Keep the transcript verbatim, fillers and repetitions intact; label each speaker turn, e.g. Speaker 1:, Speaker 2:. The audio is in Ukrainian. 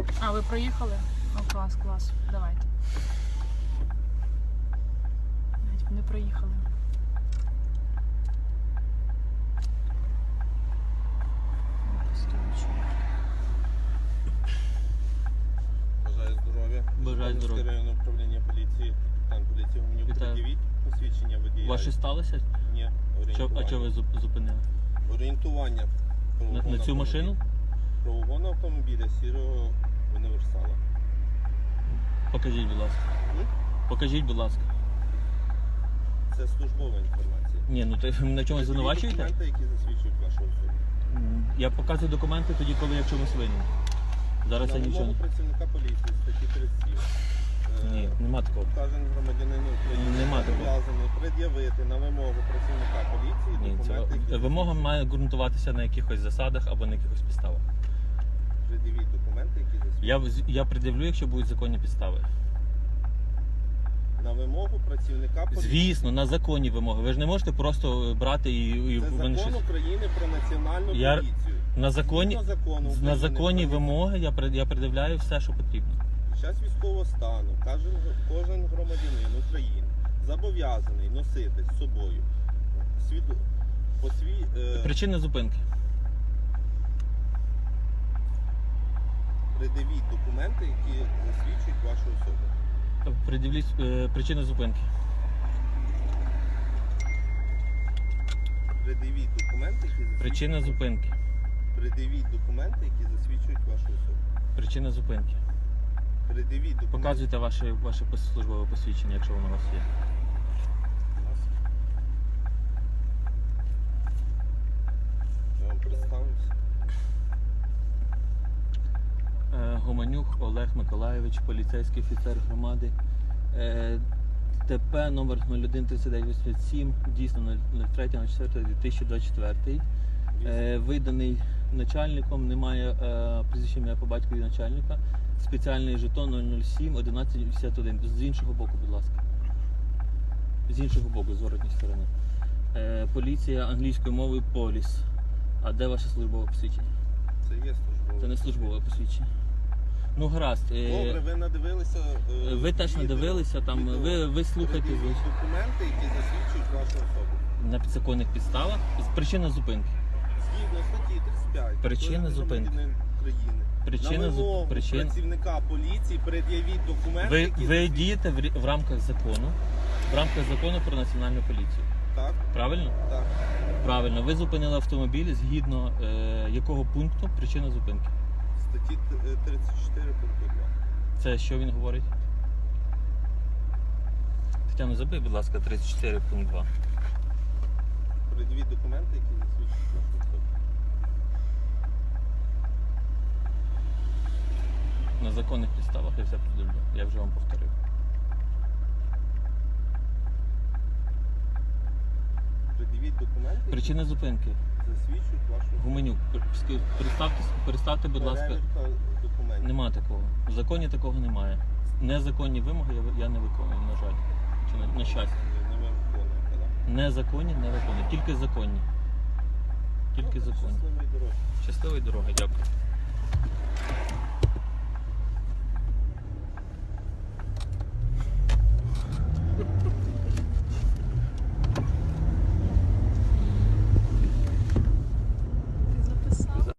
Speaker 1: А, ви проїхали? О, клас, клас. Давайте. Навіть не проїхали.
Speaker 2: Бажаю здоров'я.
Speaker 3: Бажаю здоров'я.
Speaker 2: Районне управління поліції. Там поліція мені
Speaker 3: Вітаю.
Speaker 2: пред'явіть посвідчення водія.
Speaker 3: Ваше сталося?
Speaker 2: Ні,
Speaker 3: Що,
Speaker 2: орієнтування.
Speaker 3: а чого ви зуп- зупинили?
Speaker 2: Орієнтування. про
Speaker 3: На,
Speaker 2: угон
Speaker 3: на цю
Speaker 2: автомобіля.
Speaker 3: машину?
Speaker 2: Про угон автомобіля сірого універсала.
Speaker 3: Покажіть, будь ласка.
Speaker 2: М?
Speaker 3: Покажіть, будь ласка.
Speaker 2: Це службова інформація.
Speaker 3: Ні, ну то ви мене в чомусь
Speaker 2: Це
Speaker 3: звинувачуєте?
Speaker 2: документи, які засвідчують вашу особу.
Speaker 3: М, Я показую документи тоді, коли я в чомусь винен. Зараз
Speaker 2: На
Speaker 3: я нічого
Speaker 2: вимогу
Speaker 3: не...
Speaker 2: працівника поліції, статті тридцять сім. Е,
Speaker 3: Ні, нема такого.
Speaker 2: Кожен громадянин України
Speaker 3: Нема такого.
Speaker 2: зобов'язаний пред'явити на вимогу працівника поліції
Speaker 3: Ні,
Speaker 2: документи,
Speaker 3: це...
Speaker 2: які
Speaker 3: Вимога має ґрунтуватися на якихось засадах або на якихось підставах.
Speaker 2: пред'явіть документи, які засвідчують.
Speaker 3: Я, в- я пред'явлю, якщо будуть законні підстави.
Speaker 2: На вимогу працівника поліції.
Speaker 3: Звісно, на законні вимоги. Ви ж не можете просто брати і... і
Speaker 2: Це
Speaker 3: в мене
Speaker 2: закон
Speaker 3: щось-
Speaker 2: України про національну
Speaker 3: Я-
Speaker 2: поліцію.
Speaker 3: На законні,
Speaker 2: Згідно закону
Speaker 3: на
Speaker 2: України
Speaker 3: законні
Speaker 2: про-
Speaker 3: вимоги я, пред- я пред'являю все, що потрібно.
Speaker 2: Під час військового стану кожен, кожен громадянин України зобов'язаний носити з собою свіду, посві, е,
Speaker 3: Причина зупинки.
Speaker 2: пред'явіть документи, які засвідчують вашу особу.
Speaker 3: Пред'явіть е, причина зупинки.
Speaker 2: Пред'явіть документи, які засвідчують
Speaker 3: Причина
Speaker 2: вашу-
Speaker 3: зупинки.
Speaker 2: Пред'явіть документи, які засвідчують вашу особу.
Speaker 3: Причина зупинки.
Speaker 2: Пред'явіть документи.
Speaker 3: Показуйте ваше, ваше пос- службове посвідчення, якщо воно у вас є.
Speaker 2: Будь ласка. Я вам представлюся.
Speaker 3: Е, Гоманюк Олег Миколайович, поліцейський офіцер громади. Е, ТП номер нуль один тридцять дев'ять вісімдесят сім, дійсно нуль три четвертого дві тисячі двадцять четвертий. Е, виданий начальником, немає е, прізвища ім'я по батькові начальника. Спеціальний жетон нуль нуль сім одинадцять вісімдесят один. З іншого боку, будь ласка. З іншого боку, з воротньої сторони. Е, поліція англійською мовою поліс. А де ваше службове посвідчення?
Speaker 2: Це є службове.
Speaker 3: Це не службове посвідчення. Ну гаразд. е,
Speaker 2: Добре, ви надивилися. е,
Speaker 3: Ви теж
Speaker 2: відео-
Speaker 3: надивилися, там,
Speaker 2: відео.
Speaker 3: ви- ви слухайте,
Speaker 2: Пред'явіть
Speaker 3: звичайно.
Speaker 2: документи, які засвідчують вашу особу.
Speaker 3: На підзаконних підставах. Причина зупинки.
Speaker 2: Згідно статті тридцять п'ять.
Speaker 3: Причина
Speaker 2: Кожен
Speaker 3: зупинки.
Speaker 2: громадянин України.
Speaker 3: Причина
Speaker 2: На вимогу
Speaker 3: зуп- причин-
Speaker 2: працівника поліції пред'явіть документи,
Speaker 3: Ви,
Speaker 2: які
Speaker 3: ви
Speaker 2: засвідчують.
Speaker 3: дієте в, рі- в рамках закону, в рамках закону про національну поліцію.
Speaker 2: Так,
Speaker 3: Правильно?
Speaker 2: так.
Speaker 3: Правильно. Ви зупинили автомобіль згідно е, якого пункту причина зупинки.
Speaker 2: Статті т- е, тридцять чотири пункту два.
Speaker 3: Це що він говорить? Тетяно, забий, будь ласка, тридцять чотири пункт два.
Speaker 2: Пред'явіть документи, які засвідчують вашу особу.
Speaker 3: На законних підставах я все пред'явлю. Я вже вам повторив.
Speaker 2: Пред'явіть документи, які
Speaker 3: Причина зупинки.
Speaker 2: засвідчують вашу особу.
Speaker 3: Гуменюк, ски- переставте, переставте, будь ласка.
Speaker 2: Перевірка документів.
Speaker 3: Нема такого. В законі такого немає. Незаконні вимоги я, я не виконую, на жаль. Чи на, на щастя.
Speaker 2: Не ви виконуєте, так?
Speaker 3: Незаконні не виконую. Тільки законні. Тільки
Speaker 2: Ну,
Speaker 3: законні.
Speaker 2: щасливої дороги.
Speaker 3: Щасливої дороги, дякую.